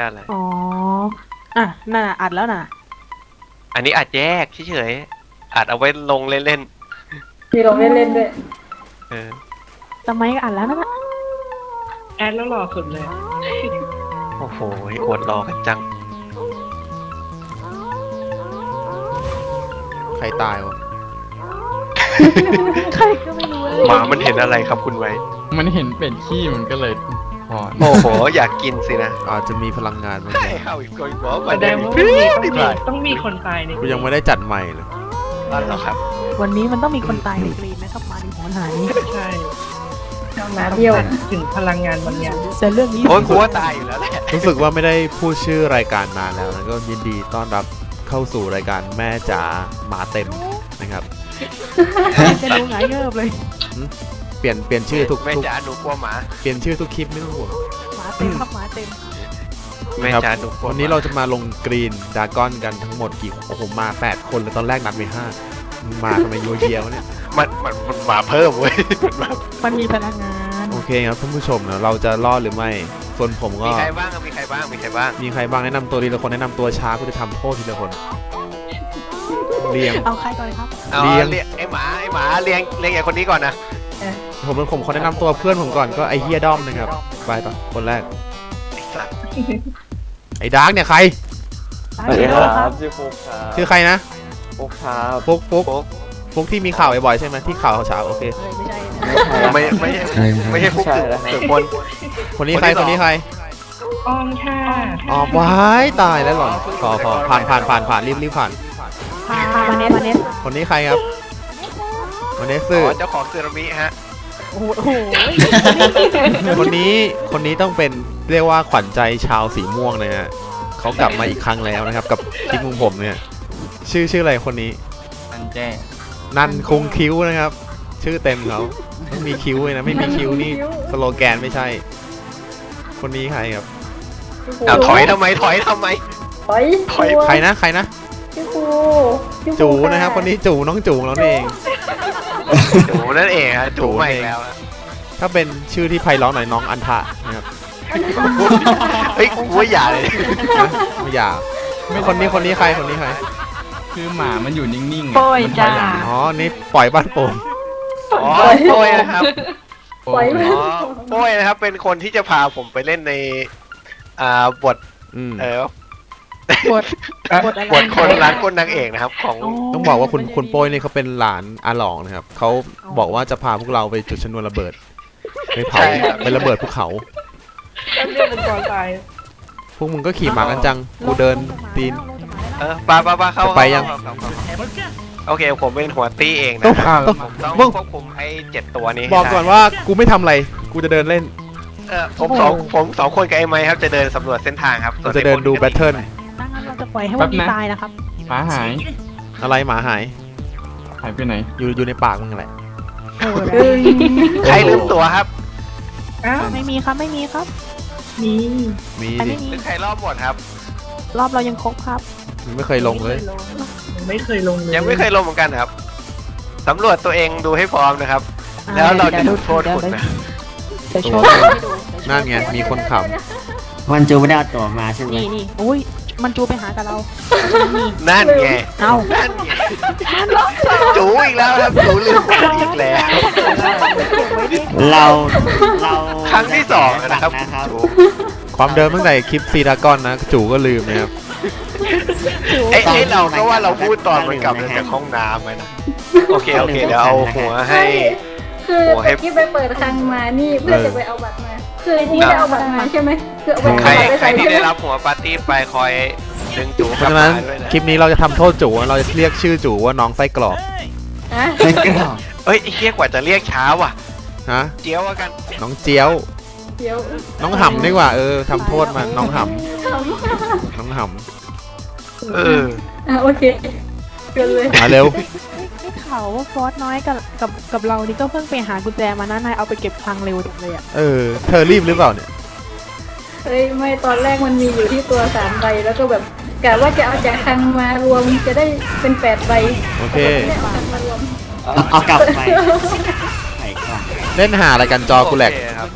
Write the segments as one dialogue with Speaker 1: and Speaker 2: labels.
Speaker 1: เลย
Speaker 2: อ๋ออ่ะน่ะอัดแล้วน่ะ
Speaker 1: อันนี้อัดแยกเฉยๆอัดเอาไว้ลงเล่น
Speaker 3: มีลงเล่นๆด้วย
Speaker 1: ๆ
Speaker 2: ทำไมก็อัดแล้วนะ
Speaker 4: แอดแล้วหล่อสุดเลย
Speaker 1: โอ้โหอวดรอกันจัง
Speaker 5: ใครตายวะ
Speaker 2: ใครก็ไม่รู้เลย
Speaker 1: หมามันเห็นอะไรครับคุณไว้
Speaker 6: มันเห็นเป็ดขี้มันก็เลยพอ
Speaker 1: โอ้โหอยากกินสินะ
Speaker 5: อาจจะมีพลังงานบางอ
Speaker 1: ใช่
Speaker 5: ย่าง
Speaker 1: เข้าอีกคนบอก
Speaker 4: แส
Speaker 1: ว่า
Speaker 4: ดงว่าต้องมีคนตายใน
Speaker 5: กูยังไม่ได้จัดใหม่เลย
Speaker 1: นั่นหรอครับ
Speaker 2: วันนี้มันต้องมีคนตายในกรีนนะครับมาดิหัวหาย
Speaker 4: ใช่
Speaker 3: หมาเบี้ยว
Speaker 4: ถึงพลังงานบางอย่าง
Speaker 2: แต่เรื่องนี้
Speaker 1: โอ้ยกูว่าตายอยู่แล้วแหละ
Speaker 5: รู้สึกว่าไม่ได้พูดชื่อรายการนานแล้วนะก็ยินดีต้อนรับเข้าสู่รายการแม่จ๋าหมาเต็มนะครับ
Speaker 2: จะดูหงายเงิบเลย
Speaker 5: เปลี่ยนชื่อทุก
Speaker 1: แม่จ๋าหนูกลัวหมา
Speaker 5: เปลี่ยนชื่อทุกคลิปไม่ต้องห่วง
Speaker 2: หมาเต็มครับหมาเต็ม
Speaker 1: แม่
Speaker 5: ครับ
Speaker 1: จ๋าหนูกลัว
Speaker 5: วันนี้เราจะมาลงกรีนดากอนกันทั้งหมดกี่โอ้โหมา8คนเลยตอนแรกนัดไป5มาทำไมยัวเยียวะเนี่ย
Speaker 1: มันมาเพิ่มเว้ย
Speaker 2: มันมีพลังงาน
Speaker 5: โอเคครับท่านผู้ชมนะเราจะรอดหรือไม่ส่วนผมก็
Speaker 1: มีใครบ้างมีใครบ้างมีใครบ้าง
Speaker 5: มีใครบ้างแนะนำตัวทีละคนแนะนำตัวช้าก็จะทำโทษทีละคนเรียง
Speaker 2: เอาใครก่อนครับ
Speaker 1: เอา
Speaker 5: เลี้ยง
Speaker 1: เลี้ยงไอหมาเลี้ยงไอคนนี้ก่อนนะ
Speaker 5: ผมขอแนะนำตัวเพื่อนผมก่อนก็ไอเฮียด้อมนะครับไปต่อคนแรก
Speaker 1: ไอ้สัตว์
Speaker 5: ไอ้ดาร์กเนี่ยใคร
Speaker 2: สวัสดีครับ
Speaker 7: ชื่อฟุกครับ
Speaker 5: ชื่อใครนะ
Speaker 7: ฟุกครับ
Speaker 5: ฟุก
Speaker 1: โป๊ก
Speaker 5: ฟุกที่มีข่าวบ่อยๆใช่ไหมที่ข่าวเช้าโอเค
Speaker 2: เอ้ยไม่ใช่นะ
Speaker 1: ไม่ใช่ฟุก
Speaker 7: ใช่แล้ว
Speaker 1: ถึงคน
Speaker 5: คนนี้ใคร
Speaker 1: คนที่สอง
Speaker 5: คนนี้ใคร
Speaker 4: ออมค่ะ
Speaker 5: อ๋อว้ายตายแล้วหรอพอผ่านรีบผ่าน
Speaker 2: พามาเนส
Speaker 5: คนนี้ใครครับวันนี้
Speaker 1: อ๋
Speaker 5: สื่อ
Speaker 1: อเจ้าของซึนามิฮะ
Speaker 2: โอ้โห
Speaker 5: คนนี้ต้องเป็นเรียกว่าขวัญใจชาวสีม่วงนะฮะเขากลับมาอีกครั้งแล้วนะครับกับคลิปของผมเนี่ยชื่ออะไรคนนี้
Speaker 6: อันแจ้
Speaker 5: นันคงคิ้วนะครับ ชื่อเต็มเขาต้องมีคิ้วเลยนะไม่มีคิ้วนี่สโลแกนไม่ใช่ คนนี้ใครครับ
Speaker 1: เอาถอยทำไมถอย
Speaker 3: ถอย
Speaker 5: ใครนะ
Speaker 3: ชื่อครู
Speaker 5: จูนะครับคนนี้จูน้องจูของเราเอง
Speaker 1: จูนั่นเองฮะจูใหม่แล้วฮะ
Speaker 5: ถ้าเป็นชื่อที่ไพเราะหน่อยน้องอันทะนะครับ
Speaker 1: เฮ้ยกูว่าอย่าเลย
Speaker 5: ไม่อยากคนนี้ใคร
Speaker 6: คือหมามันอยู่นิ่งๆ
Speaker 2: โป้ย
Speaker 6: มันถ
Speaker 2: จ้า
Speaker 6: อยหลัง
Speaker 5: อ๋อนี่ปล่อยบ้านโป่ง
Speaker 1: อ๋อโป้ยนะครับ
Speaker 3: ปล่อย
Speaker 1: อ๋อโป้ยนะครับเป็นคนที่จะพาผมไปเล่นในบท
Speaker 5: อืม
Speaker 2: บทอะไร
Speaker 1: บทคนรักคนนางเอกนะครับของ
Speaker 5: ต้องบอกว่าคุณโป้ยนี่เขาเป็นหลานอาหลองนะครับเขาบอกว่าจะพาพวกเราไปจุดชนวนระเบิดไปเผาไประเบิดภูเขา
Speaker 4: แล้วเรียกเป็นก่อนตาย
Speaker 5: พวกมึงก็ขี่หมากันจังกูเดินตีน
Speaker 1: ปาเข้า
Speaker 5: จะไปยัง
Speaker 1: เข้าโอเคผมเป็นหัวตี้เอง
Speaker 5: ต้อ
Speaker 1: นะ
Speaker 5: ง
Speaker 1: ครับ
Speaker 5: ต้อง
Speaker 1: ต้องควบคุมไอ้7ตัวนี้ให้
Speaker 5: บอกก่อน
Speaker 1: ได้
Speaker 5: ว่ากูไม่ทำอะไรกูจะเดินเล่น
Speaker 1: ผมสองคนกับไอ้ไม้ครับจะเดินสำรวจเส้นทางครับ
Speaker 5: เราจะเดินดูแบทเทิล
Speaker 2: ดังนั้นเราจะปล่อยให้วันนี้ตายนะครับ
Speaker 6: หมาหาย
Speaker 5: อะไรหมาหาย
Speaker 6: หายไปไหน
Speaker 5: อยู่ในปากมึงแหละ
Speaker 2: โอ้โห
Speaker 1: ใครลืมตัวครับ
Speaker 4: อ้าว
Speaker 2: ไม่มีครับไม่มีครับ
Speaker 4: มี
Speaker 5: มี
Speaker 2: ใคร
Speaker 5: ดิ
Speaker 2: ไม่มี
Speaker 1: หรือใครรอบหมดครับ
Speaker 2: รอบเรายังครบครับ
Speaker 5: มึงไม่เคยลงเลย
Speaker 4: ไม่เคยลงเลย
Speaker 1: ยังไม่เคยลงเหมือนกันครับสำรวจตัวเองดูให้พร้อมนะครับ แล้วเราจะลงโทษคุณนะ
Speaker 2: เดี๋ยวโชว์ให้ดู
Speaker 5: นั่นไงมีคนข
Speaker 7: วันจูไม่ได้เอาตัวมาใช่ไหม
Speaker 2: นี่อุ้ยมันจูไปหากับเรานี่
Speaker 1: นั่นไง
Speaker 2: เอา
Speaker 1: นั่นไงจูอีกแล้วครับจูลืมอีกแล้ว
Speaker 7: เรา
Speaker 1: ครั้งที่2นะครับ
Speaker 7: นะครับ
Speaker 1: จู
Speaker 5: ำความเดิมตั้งแต่คลิปซีดากอนนะจู่ก็ลืมนะครับ
Speaker 1: ไอ้เราก็ว่าเราพูดตอนมันกลับมาจากห้องน้ำไงนะโอเคเดี๋ยวเอาหัวให้
Speaker 3: คือเมื่อกี้ไปเปิดคลังมานี่เพื่อจะไปเอาบัตรมา คือนี่ได้เอาบัตรมาใช่ไหมคือเอาบัตร
Speaker 1: ใคร
Speaker 3: ไป
Speaker 1: ใคร
Speaker 3: ใส่
Speaker 1: ที่
Speaker 3: ใช่ไหม
Speaker 1: ได้รับหัวปาร์ตี้ไปคอยดึงจู
Speaker 5: เพ
Speaker 1: กลั
Speaker 5: ราะ
Speaker 1: บ
Speaker 5: ฉะ
Speaker 1: มา
Speaker 5: นั้น
Speaker 1: ด้วยนะ
Speaker 5: คลิปนี้เราจะทำโทษจู่เราจะเรียกชื่อจู่ว่าน้องไส้กรอก
Speaker 3: อ่ะ
Speaker 7: ไม่กล้า
Speaker 1: เอ้ยไอ้เหี้ยกว่าจะเรียกช้าว่ะ
Speaker 5: ฮะ
Speaker 1: เจียวกัน
Speaker 5: น้องเจียว
Speaker 3: เดี๋ยว
Speaker 5: น้องหำดีกว่าทำโทษมาน้องหำน้องห
Speaker 1: เออ
Speaker 3: โอเคเกินเลย
Speaker 5: ำมาเร็ว
Speaker 2: ได้ข่าวว่าฟอสน้อยกับเรานี่ก็เพิ่งไปหากุญแจมานะนายเอาไปเก็บคลังเร็วจังเลยอ่ะ
Speaker 5: เธอรีบหรือเปล่าเนี่ย
Speaker 3: เฮ้ยไม่ตอนแรกมันมีอยู่ที่ตัว3 ใบแล้วก็แบบกะว่าจะเอาจากคลังมารวมจะได้เป็น8 ใบ
Speaker 5: โอเค
Speaker 3: ไม่ได้เอาคลังมารวม
Speaker 7: เอากลับไปไข่กลับ
Speaker 5: เล่นหาอะไรกันจอกูแหลก
Speaker 1: โอเคครับตอน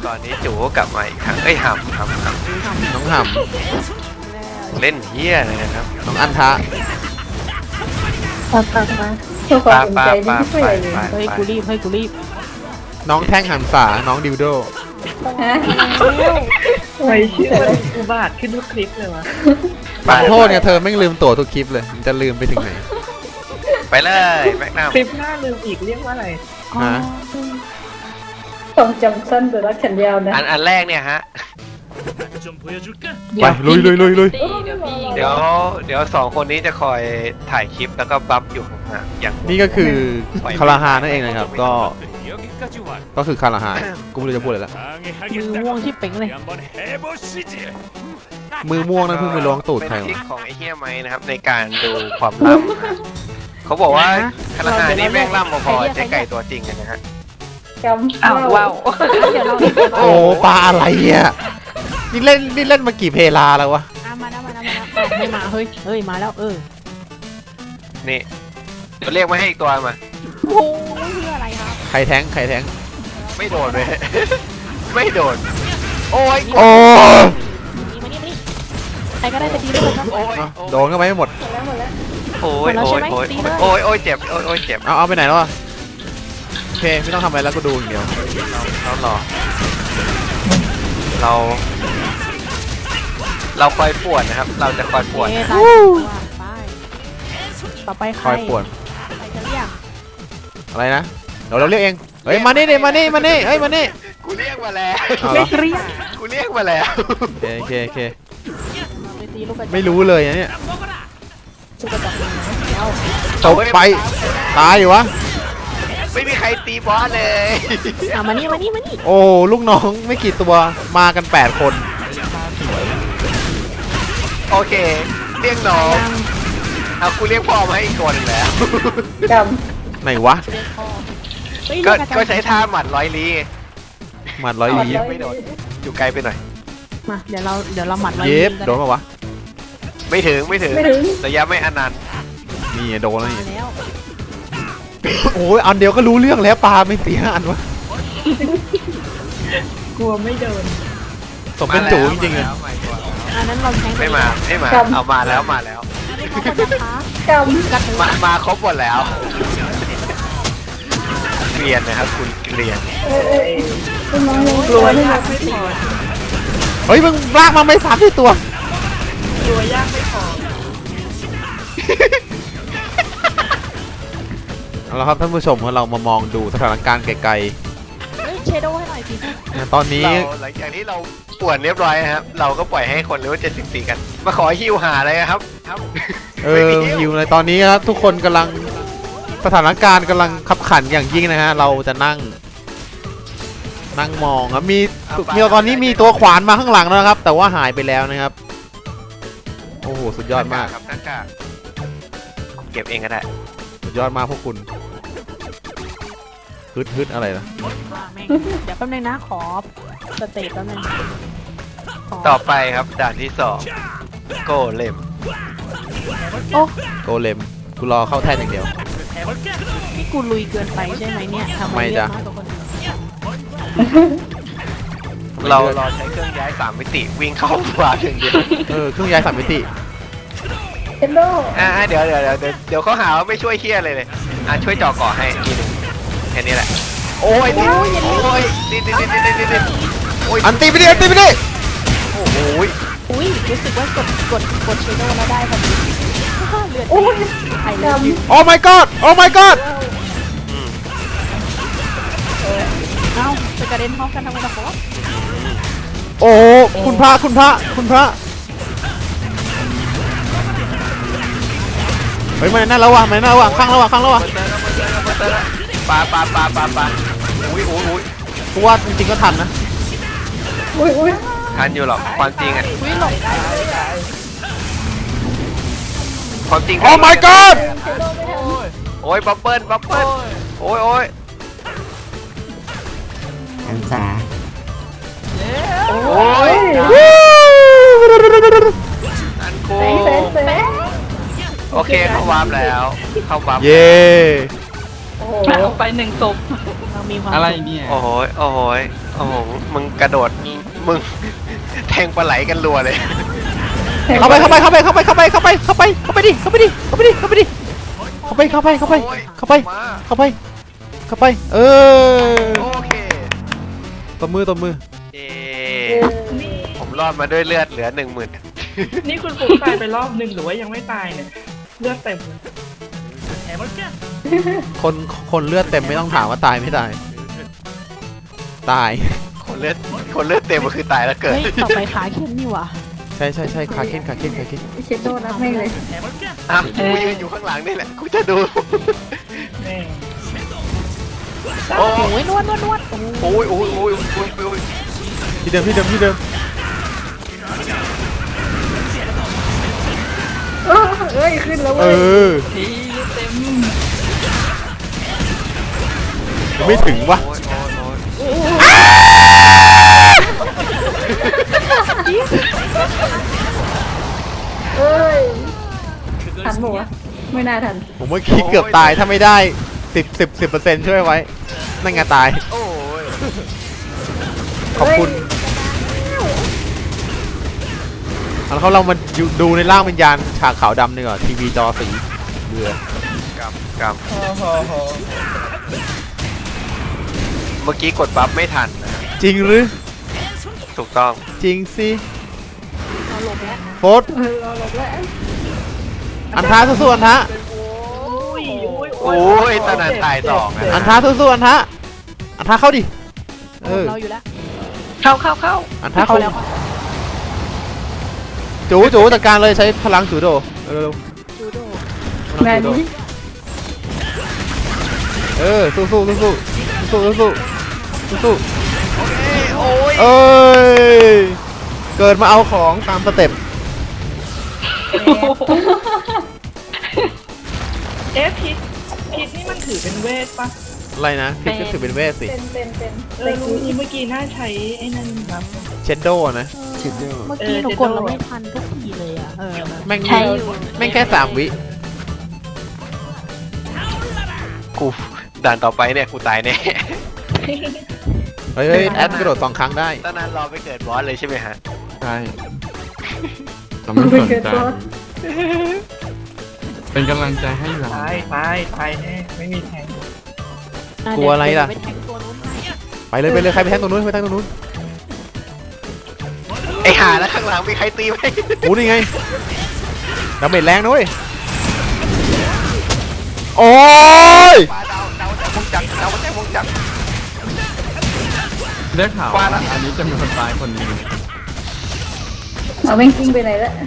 Speaker 1: อนนี้จูก็กลับมาอีกครั้งเอ้ยหำ
Speaker 5: น้องห
Speaker 1: เล่นเฮี้ยเลยนะครับ
Speaker 5: ำน้องอันทะ
Speaker 3: มาเพื่อความสนใจนี่ไม่ใช่เลย
Speaker 2: เฮ้ยกูรีบเฮ้ยกูรีบ
Speaker 5: น้องแท่งหันษาน้องดิวโด
Speaker 3: ฮะ
Speaker 4: ทำไมชื่อมันอุบาทขึ้นทุกคลิปเลยวะ
Speaker 5: ขอโทษเนี่ยเธอไม่งลืมตัวทุกคลิปเลยมันจะลืมไปถึงไหน
Speaker 1: ไปเลยแม็กนัม
Speaker 4: คลิปหน้าลืมอีกเรียกว่าอะไร
Speaker 5: ฮะ
Speaker 3: ต้องจำสั้นแต่รักฉันยาวนะ
Speaker 1: อันแรกเนี่ยฮะ
Speaker 5: ไปลุยลุยลุยลุย
Speaker 1: เดี๋ยว2 คนนี้จะคอยถ่ายคลิปแล้วก็บัฟอยู่ห่างๆอย่าง
Speaker 5: นี่ก็คือคาราฮานั่นเองนะครับก็คือคาราฮากูไม่รู้จะพูดอะไรละ
Speaker 2: มือม่วงที่เป่งเลย
Speaker 5: มือม่วงนั่นเพิ่งไปล้วงตูดใคร
Speaker 1: เป็นทริ
Speaker 5: วะ
Speaker 1: คของไอ้เฮี้ยไหมนะครับในการดูความล่ำนะฮะเขาบอกว่าคาราฮานี่แม่งล่ำพอๆเจ๊ไก่ตัวจริงกันนะฮะ
Speaker 3: จำว้าว
Speaker 2: เดี๋ยวเรา
Speaker 5: โอ้ปลาอะไรอ่ะนี่เล่นมากี่เพลาแล้ววะ
Speaker 2: มาแล้วไม่มาเฮ้ยมาแล้ว
Speaker 1: นี่เรียกมาให้อีกตัวมา
Speaker 2: โอ้เพื่ออะไรครับ
Speaker 5: ใครแท้ง
Speaker 1: ไม่โดนเลย ไม่โดน โอ้ย
Speaker 5: โอ้
Speaker 2: มานี่ใครก็ได้จะดีด้วยครับ
Speaker 1: โอ้ย
Speaker 5: โดนเข้าไปไม่หมด
Speaker 1: โอ้ย
Speaker 2: หมดแล้วใช่ไหมตีเลย
Speaker 1: โอ้ยเจ็บโอ้ยเจ็บ
Speaker 5: เอาไปไหนแล้ววะโอเคไม่ต้องทำอะไรแล้วก็ดูอย่างเดียว
Speaker 1: เรารอเราคอยปวดนะครับ เราจะคอยปวด
Speaker 2: ตายไปต่อไปใค
Speaker 5: ค
Speaker 2: ร
Speaker 5: อยปวด
Speaker 2: ใครจะเรียก
Speaker 5: อะไรนะเดี๋ยวเราเรียกเองเฮ้ยมานี่เฮ้ยมานี่
Speaker 1: กูเรียกมาแล้ว
Speaker 5: เอาเหรอ
Speaker 2: เรียก
Speaker 1: กูเรียกมาแล้ว
Speaker 5: โอเค
Speaker 2: ไปตีลูกกระจอก
Speaker 5: ไม่รู้เลยนะเนี่ย
Speaker 2: ลูกกระจอกแล้ว
Speaker 5: ตกไปตายอยู่วะ
Speaker 1: ไม่มีใครตีบอสเลย
Speaker 2: มานี่
Speaker 5: โอ้ลูกน้องไม่กี่ตัวมากัน8 คน
Speaker 1: โอเค เรียกน้องเอากูเรียกพ่อมาให้อีกคนหนึ่งแล้ว
Speaker 3: จ
Speaker 5: ไหนวะ
Speaker 1: ก็ใช้ท่าหมัดร้อยลี้
Speaker 5: หมัดร้อยลี
Speaker 1: ไม่โดนอยู่ไกลไปหน่อย
Speaker 2: มาเดี๋ยวเราหมัดไว้
Speaker 5: เย็บโดนปะวะ
Speaker 1: ไม่ถึง
Speaker 3: ำไม่ถึง
Speaker 1: ระยะไม่อนันต์
Speaker 5: นี่โดนแล้ว
Speaker 2: มา
Speaker 5: นี่
Speaker 2: แล้ว
Speaker 5: โอ้ยอันเดียวก็รู้เรื่องแล้วปลาไม่เสียอันวะ
Speaker 4: กลัวไม่โดน
Speaker 5: สมเป็นจูจริงๆเลย
Speaker 2: อันนั้นเราแทง
Speaker 1: ไม่มาเอามาแล้ว
Speaker 2: เขาจะท้า
Speaker 3: จ
Speaker 2: กระถือ
Speaker 1: มาครบหมดแล้วเกลียนนะครับคุณเกลียน
Speaker 3: ำคุณน้องยัง
Speaker 4: กลัวยากไม่พอ
Speaker 5: เฮ้ยมึงลากมาไม่3ที่ตัว
Speaker 4: กลัวยากไม่พอ
Speaker 5: เอาละครับท่านผู้ชมเรามามองดูสถานการณ์ไกล
Speaker 2: เชโดให้หน่อยสิ
Speaker 5: ๆตอนนี้
Speaker 1: หลังจากที่เราป่วนเรียบร้อยนะครับ เราก็ปล่อยให้คนเลเวล74กัน มาขอฮิวหาเลยครับครับ ไม่มี
Speaker 5: ฮิวเลยตอนนี้ครับทุกคนกำลังสถานการณ์กำลังขับขันอย่างยิ่งนะฮะเราจะนั่งมองครับมีตอนนี้มีตัวขวานมาข้างหลังแล้วนะครับ แต่ว่าหายไปแล้วนะครับโอ้โหสุดยอดมาก
Speaker 1: ครับนักกาเก็บเองก็ได้
Speaker 5: สุดยอดมากพวกคุณฮึดอะไรนะ
Speaker 2: เดี๋ยวแป๊บนึงนะขอสเตตแป๊บนึง
Speaker 1: ต่อไปครับด่านที่2โกเลม
Speaker 2: โอ้
Speaker 5: โกเลมกูรอเข้าแท่นอย่างเดียว
Speaker 2: นี่กูลุยเกินไปใช่ไหมเนี่ยทำไม
Speaker 5: ไม่จ้ะ
Speaker 2: เลือกน้อยกว่าคนอื่น
Speaker 1: เราใช้เครื่องย้าย3มิติวิ่งเข้ามาถึงเดียว
Speaker 5: เครื่องย้าย3 มิติ
Speaker 3: เฮนโด
Speaker 1: เดี๋ยวเขาหาว่าไม่ช่วยเคียอะไรเลยช่วยจ่อก่อให้ทีนึงแค่นี้แหละโอ้ยนี่โอ้ย
Speaker 5: อันตีไปดิ
Speaker 1: โอ้โห
Speaker 2: อุ้ยรู้สึกว่ากดเชโดแล้วได้พอดีเลือด
Speaker 3: โอ้ย
Speaker 2: ไข่เลือด
Speaker 5: โอ้ my god โอ้ my god
Speaker 2: เอ้าจะกระเด็นพร้อมกันทำไมล่ะครับ
Speaker 5: โอ้คุณพระเฮ้ยมันนั่นแล้ววะข้างแล้ววะ
Speaker 1: ปลาอุ้ย
Speaker 5: กูว่าจริงๆก็ทันนะ
Speaker 3: อุ้ย
Speaker 1: ทันอยู่หรอกความจริงอ่ะ
Speaker 2: อุ้ยหลบได้
Speaker 1: ความจริง
Speaker 5: โอ้ my god
Speaker 1: โอ้ยบับเบิ้ลโอ้ย
Speaker 7: หันษา
Speaker 1: โอ้ยอันคู
Speaker 3: เส
Speaker 1: โอเคเข้าวาร์ปแล้วเข้าวาร์ป
Speaker 5: เย้
Speaker 3: โอ้โห
Speaker 4: เอาไป1 ศพ
Speaker 2: เรามีความ
Speaker 6: อะไร
Speaker 2: สุข
Speaker 6: เนี่ย
Speaker 1: โอ้โหโอ้โหมึงกระโดดมึงแทงปลาไหลกันรัวเลย
Speaker 5: เข้าไปดิเข้าไปดิเข้าไปดิเข้าไปเออ
Speaker 1: โอเค
Speaker 5: ตบมือ
Speaker 1: เย้ผมรอดมาด้วยเลือดเหลือ 10,000
Speaker 4: นี่คุณฟุกตายไปรอบนึงหรือว่ายังไม่ตายเนี่ยเลือดเต็มเลย
Speaker 5: คนเลือดเต็มไม่ต้องถามว่าตายไม่ตาย ตาย
Speaker 1: คนเลือดเต็มมันคือตายแล้วเกิด
Speaker 2: เฮ้ยต่อไปขาเข้มนี่หว่ะ
Speaker 5: ใช่ขาเค้น
Speaker 3: เชโดรับไม่เลย
Speaker 1: อ่ะกูยืนอยู่ข้างหลังนี่แหละกูจะดู
Speaker 4: แม่
Speaker 1: โอ้
Speaker 2: โอ้ยนวด
Speaker 1: โอ้ยโอ้ยโอ้ยโอ้ยโอ้ย
Speaker 5: ที่เดิม
Speaker 3: เอ้ยขึ้นแล้ว
Speaker 5: เอ
Speaker 3: เว้ย
Speaker 5: อยังไม่ถึงวะ
Speaker 1: โอ้ยโอ้ยโอ้ย
Speaker 3: เอ้ยทันหมวะไม่น่าทัน
Speaker 5: ผมเมื่อกี้เกือบตายถ้าไม่ได้10% ช่วยไว้นั่นไงตาย
Speaker 1: โอ้ย
Speaker 5: ขอบคุณแล้วเรามาดูในร่างวิญญาณฉากขาวดำดีกว่าทีวีจอสีเบื่อก
Speaker 1: เมื่อกี้กดบัฟไม่ทันนะ
Speaker 5: จริงหรือ
Speaker 1: ถูกต้อง
Speaker 5: จริงสิโฟส
Speaker 3: เราหลบแล้ว
Speaker 5: อันท้าสู้ๆอันท้า
Speaker 1: โอ้ยตอนนั้นตายสองะ
Speaker 5: อันท้าสู้ๆอันท้าเข้าดิเออ
Speaker 2: เราอยู่แล้ว
Speaker 4: เข้า
Speaker 5: อันท้า
Speaker 2: เข้า
Speaker 5: เข้า
Speaker 2: แล้ว
Speaker 5: จูจัดการเลยใช้พลังจูโดเร็ว
Speaker 2: จูโด
Speaker 5: ๆ
Speaker 3: งานนี้
Speaker 5: เออสู้ๆ
Speaker 1: โอ้ย
Speaker 5: เอ้ยเกิดมาเอาของตามสเต็ป
Speaker 4: เอ๊ะพิษนี่มันถือเป็นเวทปะ
Speaker 5: อะไรนะพิษก็ถือเป็นเวทสิ
Speaker 3: เป็น
Speaker 4: ลุงนี้เมื่อกี้น่าใช้ไอ้นั่นครับ
Speaker 5: เชนโดนะ
Speaker 7: ชิดเดอร์
Speaker 2: เมื่อกี้หนูกดเราไม่ทันทุกทีเลยอ่ะ
Speaker 5: แม่ง
Speaker 2: ใช่อยู่
Speaker 5: แม่งแค่3 วิ
Speaker 1: กูด่านต่อไปเนี่ยกูตายแน่
Speaker 5: เฮ้ยแอดกระโดด2 ครั้งได้
Speaker 1: ตอนนั้นรอไปเกิดบอสเลยใช่ไหมฮะ
Speaker 6: ใช่เราไม่สนใจเป็นกำลังใจให้เรา
Speaker 4: ตายแน่ไม่มีแทง
Speaker 5: กลัวอะไรล่ะ
Speaker 2: ไปแทงตัวนู้นให้
Speaker 5: ไปเลยใครไปแทงตรงนู้นไปแทงตรงนู้น
Speaker 1: ไอหาแล้วข้างหลังมีใครตีไหม
Speaker 5: โอ้นี่ไงดาเมจแรงนะเว้ยโอ้ย
Speaker 1: ปลาดาวแต่วงจักรดาวแต่วงจักร
Speaker 6: ได้ข่าว
Speaker 1: ว่า
Speaker 6: ว่า
Speaker 1: ละ
Speaker 6: อันนี้จะมีคนตายคนหนึง
Speaker 3: เอาแม่งกิ้งไปไหนแล้ว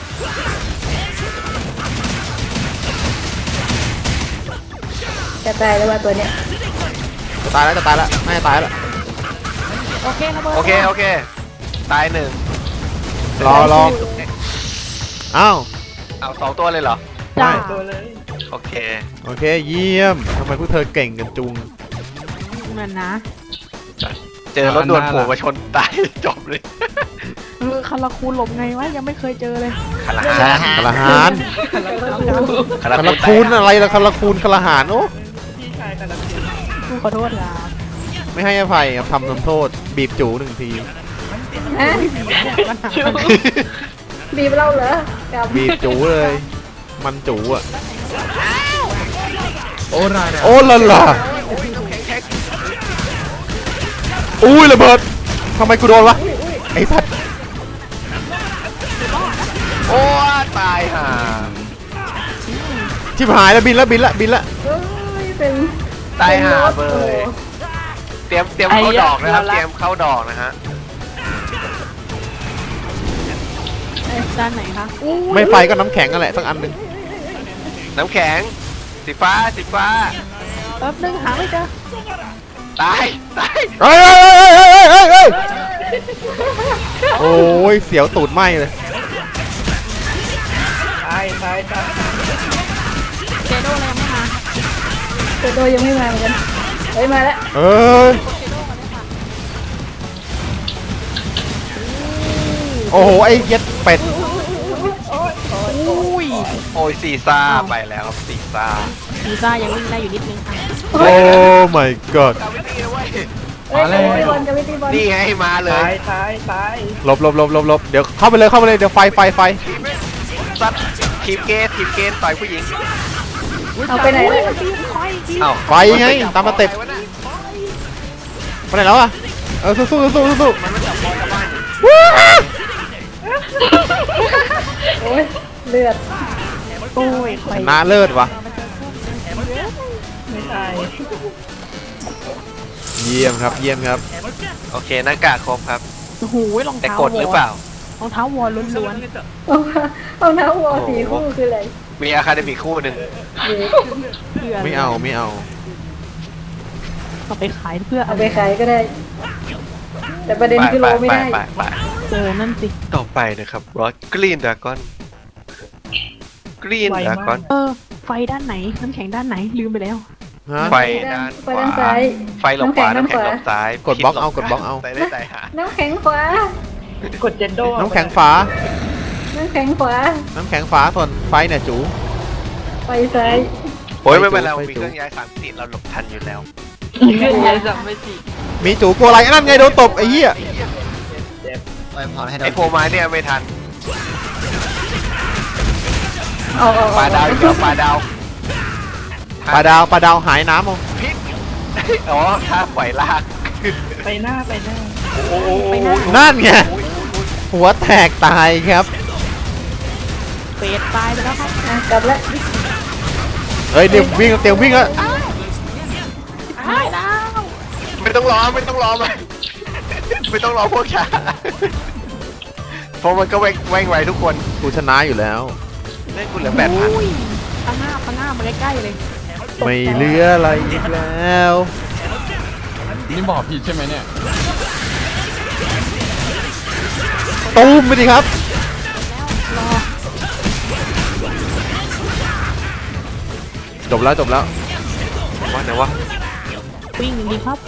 Speaker 3: จะตายแล้วว่าตัวเนี้ย
Speaker 5: จะตายแล้วน่าจะตายแล้ว
Speaker 2: โอเคระเบิด
Speaker 1: โอเคตายหนึ่ง
Speaker 5: รออ้าว
Speaker 1: เอา2 ตัวเลยเหรอ
Speaker 2: จ้า
Speaker 4: ตัวเลย
Speaker 1: โอเค
Speaker 5: โอเคเยี่ยมทำไมพวกเธอเก่งกันจุง
Speaker 2: นั่นนะ
Speaker 1: เจอรถด่วนโผล่มาชนตายจบเลย
Speaker 2: คาราคูหลบไงวะยังไม่เคยเจอเลย
Speaker 1: คารา
Speaker 5: คาราหาน
Speaker 1: คารา
Speaker 5: คาราคูนอะไรล่ะคาราคูนคาราหานโอ้
Speaker 4: พี่ชายกันละที
Speaker 2: กูขอโทษครับ
Speaker 5: ไม่ให้อภัยครับทำโทษบีบจู1 ที
Speaker 3: ฮะบีบเราเหรอกับ
Speaker 5: บีบจูเลย มันจูอ่ะ
Speaker 6: โอ้รายแล้ว
Speaker 5: โอ้ละล่ะ
Speaker 1: โอ้ยน้ำแข็งแท็ก
Speaker 5: อุ้ยระเบิดทำไมกูโดนวะไอ้สัตว์
Speaker 1: โอ้ตายห่า
Speaker 5: ชิบหายแล้วบินละ
Speaker 3: เอ้ยเป็น
Speaker 1: ตายห่า
Speaker 3: ป็น
Speaker 1: เล
Speaker 3: รถ
Speaker 1: ยเตรียมเข้าดอกนะครับเตรียมเข้าดอกนะฮะ
Speaker 2: ด้านไหนคะ
Speaker 5: ไม่ไฟก็น้ำแข็งนั่นแหละสักอันหนึ่ง
Speaker 1: น้ำแข็งสีฟ้า
Speaker 2: แป๊บนึงหาไม่เจอ
Speaker 1: ตาย
Speaker 5: เฮ้ยโอ้ยเสียวตูดไหมเลย
Speaker 4: ตาย
Speaker 2: เจโดอะไรยังไม่มา
Speaker 3: ตัวโดยังไม่มาเหมือนกันเฮ้ยมาแล้ว
Speaker 5: เอ้ยโอ้โหไอ้เย็ดเป็ด
Speaker 2: อุ้ย
Speaker 1: โอ้ยซีซ่าไปแล้วครับซีซ่า
Speaker 2: วีซ่ายังวิ่งได้อยู่นิดนึงค่ะ
Speaker 5: โอ้ my god
Speaker 1: กาวิตี้นะเว้ย
Speaker 3: เอ้ยกับวิธีบอลกับวิธีบอล
Speaker 1: นี่ไงมาเล
Speaker 4: ตาย ยตายตาย
Speaker 5: หลบเดี๋ยวเข้าไปเลยเดี๋ยวไฟ
Speaker 1: ซัดทีมเกสต่อยผู้หญิง
Speaker 3: เอาไปไหนเลย
Speaker 1: เอ้า
Speaker 5: ไฟไงตามสเต็ป
Speaker 1: อะไรวะน่ะ
Speaker 5: ไปไหนแล้วอะสู้
Speaker 1: มันมาจับคอกลับบ้านอยู่
Speaker 3: โอ้ยเลือด
Speaker 2: โอ้ยไฟ
Speaker 5: ชนะเลิศวะ
Speaker 4: ไม่ตาย
Speaker 5: เยี่ยมครับ
Speaker 1: โอเคหน้ากากครบครับ
Speaker 2: โอ้โหรอง
Speaker 1: แต่
Speaker 2: เท้าก
Speaker 1: ดหรือเปล่า
Speaker 2: รองเท้าวอลล้วน
Speaker 3: เอาน้ำวัวสีคู่คืออะไร
Speaker 1: มีอะคาเดมี่คู่หนึ่ง
Speaker 3: เด็ก
Speaker 2: ๆเพื่อ
Speaker 5: ไม่เอา
Speaker 2: เอาไปขายเพื่อ
Speaker 3: เอาไปขายก็ได้ แต่ประเด็นคือโลไม่ได้
Speaker 1: ไป
Speaker 2: นั่นสิ
Speaker 1: ต่อไปนะครับรอดกรีนดากอนกรีนดากอน
Speaker 2: ไฟด้านไหนน้ำแข็งด้านไหนลืมไปแล้ว
Speaker 5: ฮะ
Speaker 1: ไฟด้าน
Speaker 3: ไฟด้านซ้าย
Speaker 1: ไฟลงขวาน้ำแข็งลงซ้าย
Speaker 5: กดบล็อกเอา
Speaker 1: ใส่ได้ใส่หา
Speaker 3: น้ำแข็งขวา
Speaker 4: กดเจนโด
Speaker 5: น้ำแข็งฝา
Speaker 3: น้ำแข็งขวา
Speaker 5: ส่วนไฟเนี่ยจู
Speaker 3: ไฟซ้าย
Speaker 1: โอ้ยไม่เป็นไร
Speaker 5: ไป
Speaker 1: มี
Speaker 5: จู
Speaker 1: เครื่องย้ายสามมิติเราหลบทันอยู่แล้ว
Speaker 2: เพื่อนยายจำไม่สิ
Speaker 5: มีจูกลัวอะไรนั่นไงโดนตบไอ้เหี้ย
Speaker 1: ไอโฟมาเนี่ยไม่ทัน
Speaker 3: เอา
Speaker 1: ปลาดาวอีกแล้วปลาดาว
Speaker 5: ปลาดาวหายน้ำเอา
Speaker 1: พิษอ๋อท่าปล่อยลาก
Speaker 4: ไปหน้า
Speaker 1: โอ้โห
Speaker 5: นั่นไงหัวแตกตายครับ
Speaker 2: เฟสตายไปแล้วครับ
Speaker 3: อ่ะกลับแล้ว
Speaker 5: เฮ้ยเดี๋ยววิ่งแล้ว
Speaker 2: ตายแล้ว
Speaker 1: ไม่ต้องรอไม่ต้องรอพวกช้าเพราะมันก็แว่งไวทุกคน
Speaker 5: กูชนะอยู่แล้ว
Speaker 1: เล่นกูเหลือ8,000
Speaker 2: อุ้ยข้างหน้ามาใกล้ๆเลย
Speaker 5: ไม่เหลืออะไรอีกแล้ว
Speaker 6: นี่บอกผิดใช่ไหมเนี่ย
Speaker 5: ตูมไปดิครับ จบแล้ว
Speaker 1: ว่าไหนวะ
Speaker 2: วิ่งดีครับ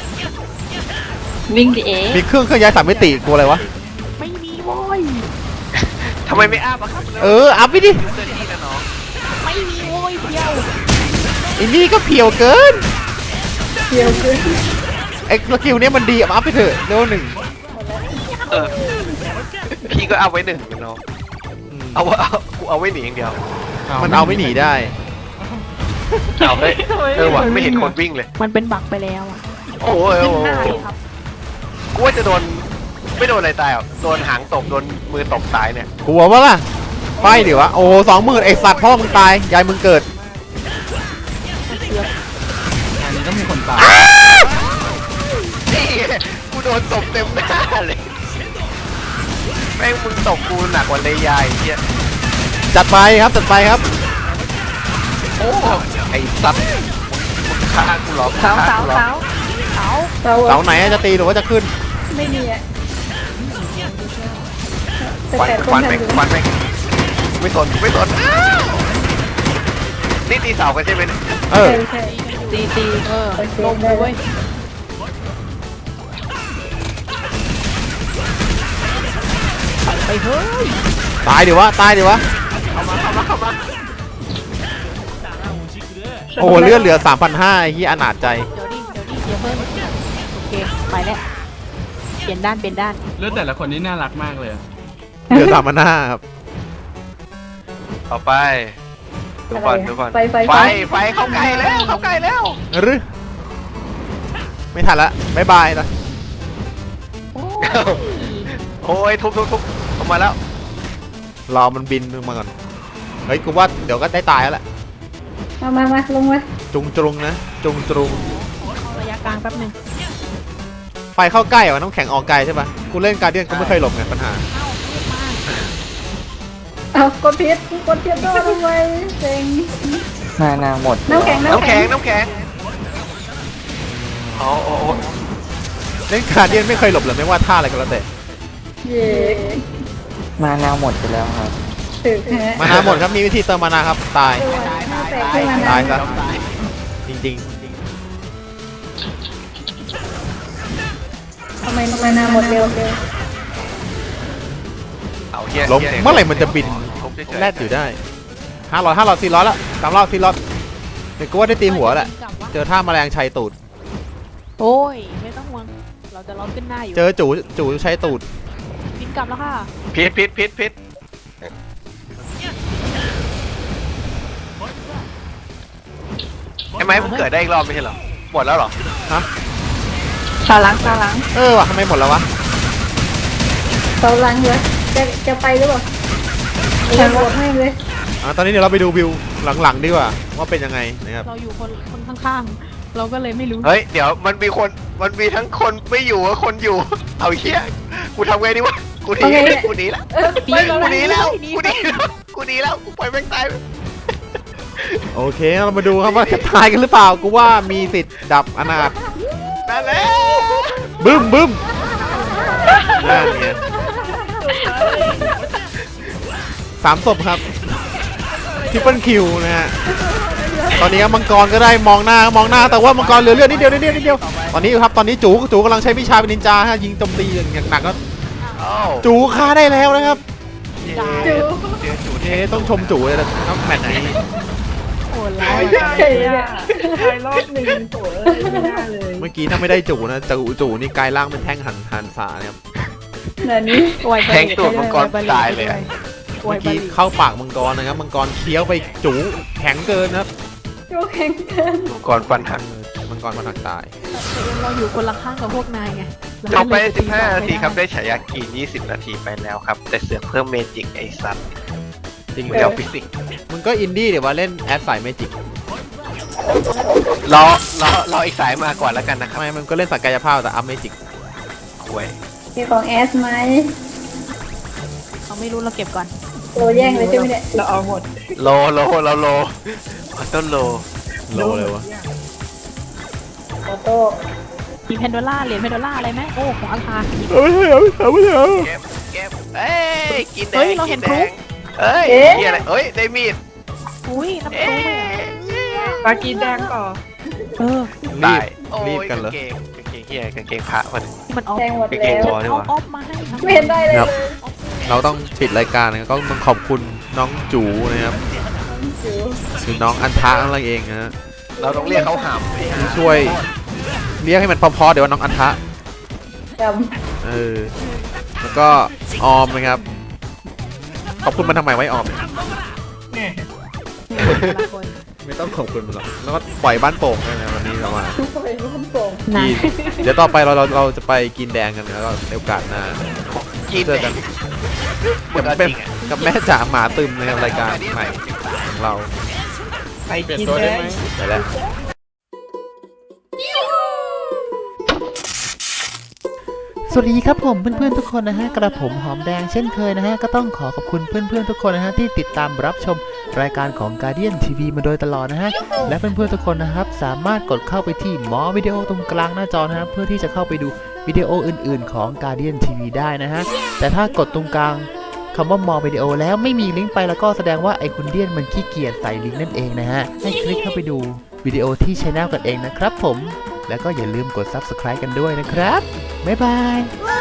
Speaker 5: มีเครื่องย้ายสามมิติกลัวอะไรวะ
Speaker 2: ไม่มีโว้ย
Speaker 1: ทำไมไม่อ้าบอะครับ
Speaker 5: อัพไปดิ
Speaker 1: ยูเซอร์ที่นะน้อง
Speaker 2: ไม่มีโว้ยเดียว
Speaker 5: ไอ้นี่ก็เพียวเกิน
Speaker 3: เกี่ยวคือ
Speaker 5: ไอ้สกิลเนี้ยมันดีอัพไปเถอะเลเวล1
Speaker 1: เออพี่ก็เอาไว้หนึ่งนะน้องกูเอาไว้หนีอย่างเดียว
Speaker 5: มันเอาไม่หนีได้
Speaker 1: เอาเฮ้ยว่ะไม่เห็นคนวิ่งเลย
Speaker 2: มันเป็นบักไปแล้วอ่ะ
Speaker 1: โอ้ย
Speaker 2: ขึ้นหน้าเลยครับ
Speaker 1: กูว่าจะโดนไม่โดนอะไรตายหรอกโดนหางตบโดนมือตบตายเนี่ย
Speaker 5: กลัวปะล่ะไปดิวะโอ้20,000ไอสัตว์พ่อมึงตายยายมึงเกิด
Speaker 6: อันนี้ต้องมีคนตาย
Speaker 1: นี่กูโดนตบเต็มหน้าเลยแม่งมึงตบกูหนักกว่าเลยยายเฮีย
Speaker 5: จัดไปครับ
Speaker 1: โอ้ไอ้สัตว์มึงฆ่ากูเหรอ
Speaker 2: เสา
Speaker 1: ฆ่กูหรอ
Speaker 3: เสา
Speaker 5: เสาไหนจะตีหรือว่าจะขึ้น
Speaker 3: ไม่มีอ่ะแต่
Speaker 1: ควัน
Speaker 3: 8 ค
Speaker 1: ควัน
Speaker 3: น
Speaker 1: แม่ง
Speaker 3: ทำอยู่
Speaker 1: ควันแม่งไม่สนอ้าวนี่ตีเสากันใช่ไหมเนี่ย
Speaker 5: เออ
Speaker 3: ใช่
Speaker 2: ตี
Speaker 3: โอเค
Speaker 2: ลงเลยเว้ยไปเฮ้ย
Speaker 5: ตายดิวะ
Speaker 1: เข้ามา
Speaker 5: โอ้เลือดเหลือ 3,500ไอ้เหี้ยอนาจใจ
Speaker 2: เดี๋ยวเพิ่มโอเคไปแล้วเปลี่ยนด้าน
Speaker 6: เลือดแต่ละคนนี่น่ารักมากเลยอะ
Speaker 5: เหลือ 3,500ครับ
Speaker 1: ต่อไปดูก่อน
Speaker 3: ไฟ
Speaker 1: ไฟเข้าใกล้แล้ว
Speaker 5: หรือไม่ทันละบ๊ายบายนะ
Speaker 1: โอ้ยทุบออกมาแล้ว
Speaker 5: รอมันบินมาก่อน เฮ้ยกูว่าเดี๋ยวก็ได้ตายแล้วแหละ
Speaker 3: มาลงมา
Speaker 5: จุงจรุงนะ จุงจรุง
Speaker 2: ระยะกลางแป๊บนึง
Speaker 5: ไฟเข้าใกล้ว่ะน้ำแข็งออกไกลใช่ปะกูเล่นการเดียนกูไม่เคยหลบไงปัญหา
Speaker 3: เอากดพิษโดนทำไมเซ็ง
Speaker 7: นาหมด
Speaker 3: น้ำแข็ง
Speaker 1: อ๋อ
Speaker 5: เล่นการเดียนไม่เคยหลบเลยไม่ว่าท่าอะไรก็แล้วแต่
Speaker 3: เย่
Speaker 7: มานาหมดไปแล้วครับ
Speaker 3: ถึกฮะ
Speaker 5: มานาหมดครับมีวิธีเติมมานาครับตาย
Speaker 3: แตกขึ้นมา
Speaker 5: ตาย
Speaker 3: นะ
Speaker 5: ซะจริง
Speaker 3: ทำไมมานาหมดเร็ว
Speaker 1: เอาเฮีย
Speaker 5: ๆลมเมื่อไหร่มันจะบิน
Speaker 1: ทุบเฉยๆ
Speaker 5: แลดอยู่ได้500 400ละ300 400เดี๋ยวกูว่าได้ตีหัวแหละเจอท่าแมลงชัยตูด
Speaker 2: โอ้ยไม่ต้องห่วงเราจะล้อมขึ้นหน้าอยู่
Speaker 5: เจอจูใช้ตูด
Speaker 2: บินกลับแล้วค่ะ
Speaker 1: พิษไอ้ไม้มันเกิดได้อีกรอบไม่ใช่เหรอหมดแล้วเหรอ
Speaker 3: เสาหลัง
Speaker 5: ว่ะทำไมหมดแล้ววะ
Speaker 3: เสาหลังเหรอจะไปหรือเปล่าจะโหวตให้เลย
Speaker 5: ตอนนี้เดี๋ยวเราไปดูวิวหลังๆดีกว่าว่าเป็นยังไงนะครับ
Speaker 2: เราอยู่คนข้างๆ เราก็เลยไม่รู้
Speaker 1: เฮ้ยเดี๋ยวมันมีทั้งคนไม่อยู่กับคนอยู่เอาเหี้ยกูทำไงดีวะกูหนีละกูหนีแล้วกูปล่อยแม่งตาย
Speaker 5: โอเคเรามาดูครับว่าจะตายกันหรือเปล่ากูว่ามีสิทธิ์ดับอนาถ
Speaker 1: นั่นแหละ
Speaker 5: บึ้มนั่นไง3 ศพครับทริปเปิลคิวนะฮะตอนนี้ครับมังกรก็ได้มองหน้าแต่ว่ามังกรเหลือเลือดนิดเดียวตอนนี้ครับตอนนี้จูกำลังใช้วิชาเป็นนินจาฮะยิงโจมตีอย่างหนักแล้วจูฆ่าได้แล้วนะครับ ต้องชมจูเลยนะครับแมตช์นี้
Speaker 2: โอ้
Speaker 4: ตาย
Speaker 2: แล้ว
Speaker 4: ตายรอบหนึ่งโถไม่น่าเลย
Speaker 5: เมื่อกี้ถ้าไม่ได้จูนะจูนี่กลายร่างเป็นแท่งหันสาเนี่ยครับ
Speaker 3: เดี๋ยวนี้
Speaker 1: แทงตูดมังกรตายเลย
Speaker 5: เมื่อกี้เข้าปากมังกรนะครับมังกรเคี้ยวไปจูแข็งเกินนะครับ
Speaker 3: จูแข็งเกิน
Speaker 1: มังกรฟันหัก
Speaker 5: มังกรมันหักตาย
Speaker 2: เราอยู่คนละข้างกับพวกนายไง
Speaker 1: จบไป15 นาทีครับได้ฉายากีน20 นาทีไปแล้วครับแต่เสือกเพิ่มเมจิกไอ้สัตว์
Speaker 5: จริง
Speaker 1: เดี๋ยวฟิสิกส์
Speaker 5: มึงก็อินดี้เดี๋ยวว่าเล่นแอดสายเมจิก
Speaker 1: รออีกสายมาก่อนแล้วกันนะครับ
Speaker 5: ทำไมมันก็เล่นสักกายภาพแต่อัพเมจิก
Speaker 1: ห่วย
Speaker 3: มีของแอสไหม
Speaker 2: เราไม่รู้เราเก็บก่อน
Speaker 3: โตแย่งเลยใช่ไหมเนี่ย
Speaker 4: เราเอาหมด
Speaker 1: โลต้นโล
Speaker 5: โลเลยวะ
Speaker 3: ออโต้
Speaker 2: มีเพนโดล่าเหรียญเพนโดล่าอะไรไหมโอ้ของอัลพา
Speaker 1: เก็บเอ้ยกินแด
Speaker 2: เฮ้ย
Speaker 1: ง
Speaker 2: เราเห็
Speaker 1: กิ
Speaker 2: น
Speaker 1: นแด
Speaker 2: พลุ
Speaker 1: งเอ้ยเฮียอะไรเอ้ยได้มีด
Speaker 2: อุ้ยน้ำ
Speaker 1: เอ้
Speaker 2: พุ
Speaker 1: ย
Speaker 4: ปลากีแดงต่อ
Speaker 2: เออ
Speaker 1: ตาย
Speaker 5: รีบกันเหรอ
Speaker 1: กางเกงเฮียกางเกงพระมัน
Speaker 2: ที่มันออฟ
Speaker 3: แจ้งหมด
Speaker 1: กางเก
Speaker 3: แล้
Speaker 1: ง
Speaker 3: ว
Speaker 1: วอลนี่
Speaker 2: เอา
Speaker 1: หว่า
Speaker 2: ออฟมาให้ทำ
Speaker 3: ไม่เห็นได้เลย
Speaker 5: ครับ เราต้องปิดรายการนะครับก็ต้องขอบคุณน้องจูนะครับ
Speaker 3: จู
Speaker 5: คือน้องอันทะนั่นเองนะฮะ
Speaker 1: เราต้องเรียกเขาหาม
Speaker 5: ที่ช่วยเรียกให้มันพอๆเดี๋ยวว่าน้องอันทะ
Speaker 3: จ
Speaker 5: แล้วก็ออมนะครับขอบคุณมันทำไมไว้ออม
Speaker 4: แหม่
Speaker 2: แต่ละคน
Speaker 5: ไม่ต้องขอบคุณมันหรอกแล้วก็ปล่อยบ้านโป่งด้วยนะวันนี้เรามา
Speaker 3: ำไปร่วมโป่ง
Speaker 2: นะ
Speaker 5: กินเดี๋ยวต่อไปเราจะไปกินแดงกันแล้วก็ในโอกาสหน้า
Speaker 1: กิน
Speaker 5: เจอกันกับเป็นกับแม่จ๋าหมาตึมนะครับรายการใหม่ของเรา
Speaker 4: ไปกินแดง
Speaker 5: ไปแล้วสวัสดีครับผมเพื่อนๆทุกคนนะฮะกระผมหอมแดงเช่นเคยนะฮะก็ต้องขอขอบคุณเพื่อนๆทุกคนนะฮะที่ติดตามรับชมรายการของ Guardian TV มาโดยตลอดนะฮะและเพื่อนๆทุกคนนะครับสามารถกดเข้าไปที่หมอวิดีโอตรงกลางหน้าจอนะฮะเพื่อที่จะเข้าไปดูวิดีโออื่นๆของ Guardian TV ได้นะฮะแต่ถ้ากดตรงกลางคำว่ามอวิดีโอแล้วไม่มีลิงก์ไปแล้วก็แสดงว่าไอคุณเดียนมันขี้เกียจใส่ลิงก์นั่นเองนะฮะให้คลิกเข้าไปดูวิดีโอที่ช่องกันเองนะครับผมแล้วก็อย่าลืมกด Subscribe กันด้วยนะครับบ๊ายบาย